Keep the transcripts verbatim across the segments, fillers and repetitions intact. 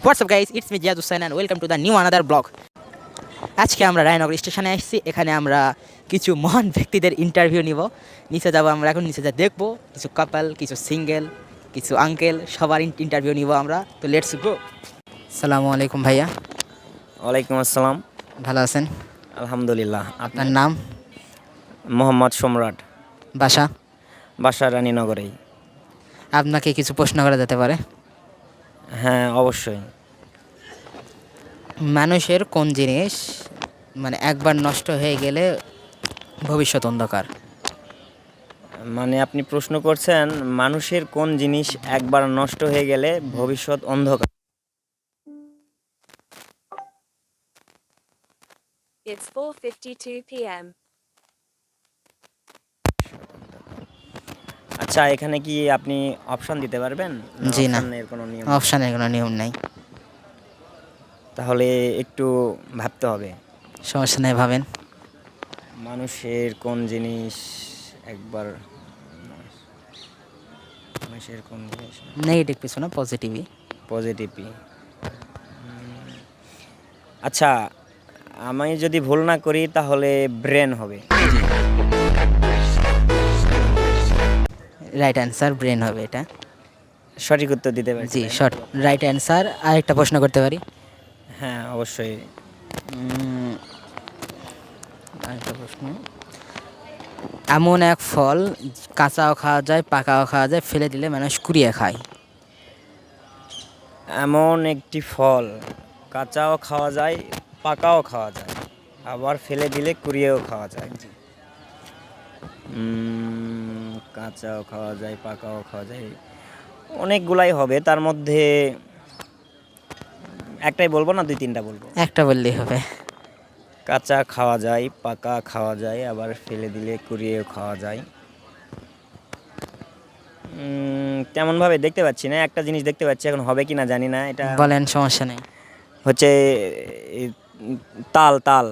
WhatsApp guys, it's me Ziyad Hussain and welcome to the new another blog. আজকে আমরা রায়নগর স্টেশনে আসছি। এখানে আমরা কিছু মহান ব্যক্তিদের ইন্টারভিউ নিব। নিচে যাবো আমরা, এখন নিচে যা দেখবো কিছু কাপল, কিছু সিঙ্গেল, কিছু আঙ্কেল, সবার ইন্টারভিউ নিব আমরা। তো লেটস গো। সালামু আলাইকুম ভাইয়া। ওয়ালাইকুম আসসালাম। ভালো আছেন? আলহামদুলিল্লাহ। আপনার নাম? মোহাম্মদ সম্রাট। বাসা? বাসা রানীনগরেই। আপনাকে কিছু প্রশ্ন করা যেতে পারে? হ্যাঁ, অবশ্যই। মানুষের কোন জিনিস মানে একবার নষ্ট হয়ে গেলে ভবিষ্যৎ অন্ধকার? মানে আপনি প্রশ্ন করছেন মানুষের কোন জিনিস একবার নষ্ট হয়ে গেলে ভবিষ্যৎ অন্ধকার? It's four fifty-two p m আচ্ছা, এখানে কি আপনি অপশন দিতে পারবেন? জি না, অপশনের কোনো নিয়ম? অপশানের কোনো নিয়ম নাই। তাহলে একটু ভাবতে হবে। সমস্যা নেই, ভাবেন। মানুষের কোন জিনিস একবার মানুষের কোন জিনিস নেগেটিভ কিছু না, পজিটিভই। পজিটিভই। আচ্ছা, আমি যদি ভুল না করি তাহলে ব্রেন হবে। রাইট অ্যান্সার, ব্রেন হবে এটা। সঠিক উত্তর দিতে পারি? জি, শর্ট রাইট অ্যান্সার। আর একটা প্রশ্ন করতে পারি? হ্যাঁ, অবশ্যই। উম, আরেকটা প্রশ্ন। এমন এক ফল কাঁচাও খাওয়া যায়, পাকাও খাওয়া যায়, ফেলে দিলে মানুষ কুড়িয়ে খায়। এমন একটি ফল কাঁচাও খাওয়া যায়, পাকাও খাওয়া যায়, আবার ফেলে দিলে কুড়িয়েও খাওয়া যায়। উম, কাঁচাও খাওয়া যায়, পাকাও খাওয়া যায়, অনেকগুলাই হবে। তার মধ্যে একটাই বলবো না দুই তিনটা বলবো? একটা বললেই হবে। কাঁচা খাওয়া যায়, পাকা খাওয়া যায়, আবার ফেলে দিলে কুড়িয়েও খাওয়া যায়। উম, তেমনভাবে দেখতে পাচ্ছি না। একটা জিনিস দেখতে পাচ্ছি, এখন হবে কি না জানি না। এটা বলেন, সমস্যা নেই। হচ্ছে এই, তাল তাল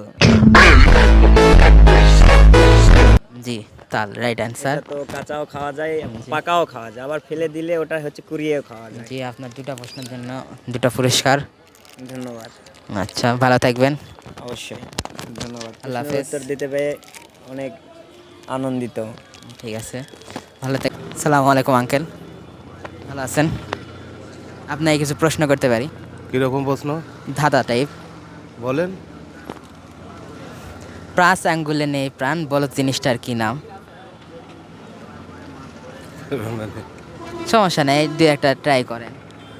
জি, তাল রাইট অ্যান্সার। এটা তো কাঁচাও খাওয়া যায়, পাকাও খাওয়া যায়, আবার ফেলে দিলে ওটা হচ্ছে কুড়িয়েও খাওয়া যায়। জি, আপনার দুটা প্রশ্নের জন্য দুটো পুরস্কার। ধন্যবাদ। আচ্ছা, ভালো থাকবেন। অবশ্যই, ধন্যবাদ। আল্লাহ প্রশ্নের হাফেজ। উত্তর দিতে পেরে অনেক আনন্দিত। ঠিক আছে, ভালো থাক। সালামু আলাইকুম আঙ্কেল, ভালো আছেন? আপনাকে কিছু প্রশ্ন করতে পারি? কীরকম প্রশ্ন? ধাঁধা টাইপ। বলেন। প্রাস আঙ্গুলে নেই প্রাণ, বলো জিনিসটার কি নাম? সমস্যা নেই, দু একটা ট্রাই করেন।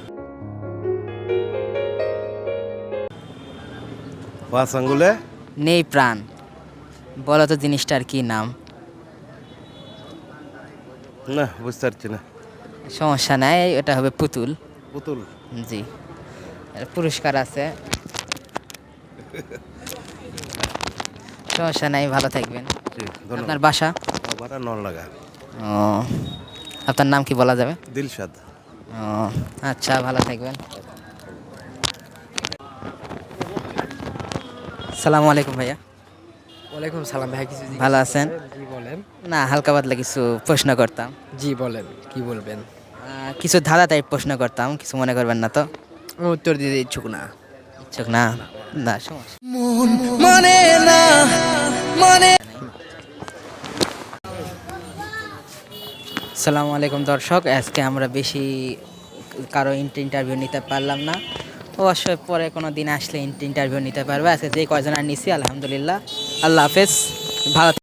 পাঁচ আঙ্গুলে নেই প্রাণ, বলো তো জিনিসটার কি নাম? না, বুঝতে পারছি না। সমস্যা নাই, এটা হবে পুতুল। পুতুল? জি, এর পুরস্কার আছে। সমস্যা নাই, ভালো থাকবেন। জি, আপনার ধন্যবাদ। বাসা? বাটা নল লাগা। ও, আপনার নাম কি বলা যাবে? দিলশাদ। ও আচ্ছা, ভালো থাকবেন। সালামু আলাইকুম ভাইয়া। ওয়ালাইকুম সালাম ভাই, কিছু জিজ্ঞেস ভালো করতে আছেন? পারেন? জি বলেন। না, হালকা পাতলা কিছু প্রশ্ন করতাম। জি বলেন, কি বলবেন? আহ, কিছু ধাঁধা টাইপ প্রশ্ন করতাম, কিছু মনে করবেন না তো? আমি উত্তর দিতে ইচ্ছুক না। ইচ্ছুক না? না, সমস্যা। সালামু আলাইকুম দর্শক, আজকে আমরা বেশি কারো ইন্টারভিউ নিতে পারলাম না। অবশ্যই পরে কোনো দিন আসলে ইন্টারভিউ নিতে পারবে। আজকে যে কয়জন আর নিছি, আলহামদুলিল্লাহ। আল্লাহ হাফেজ, ভালো।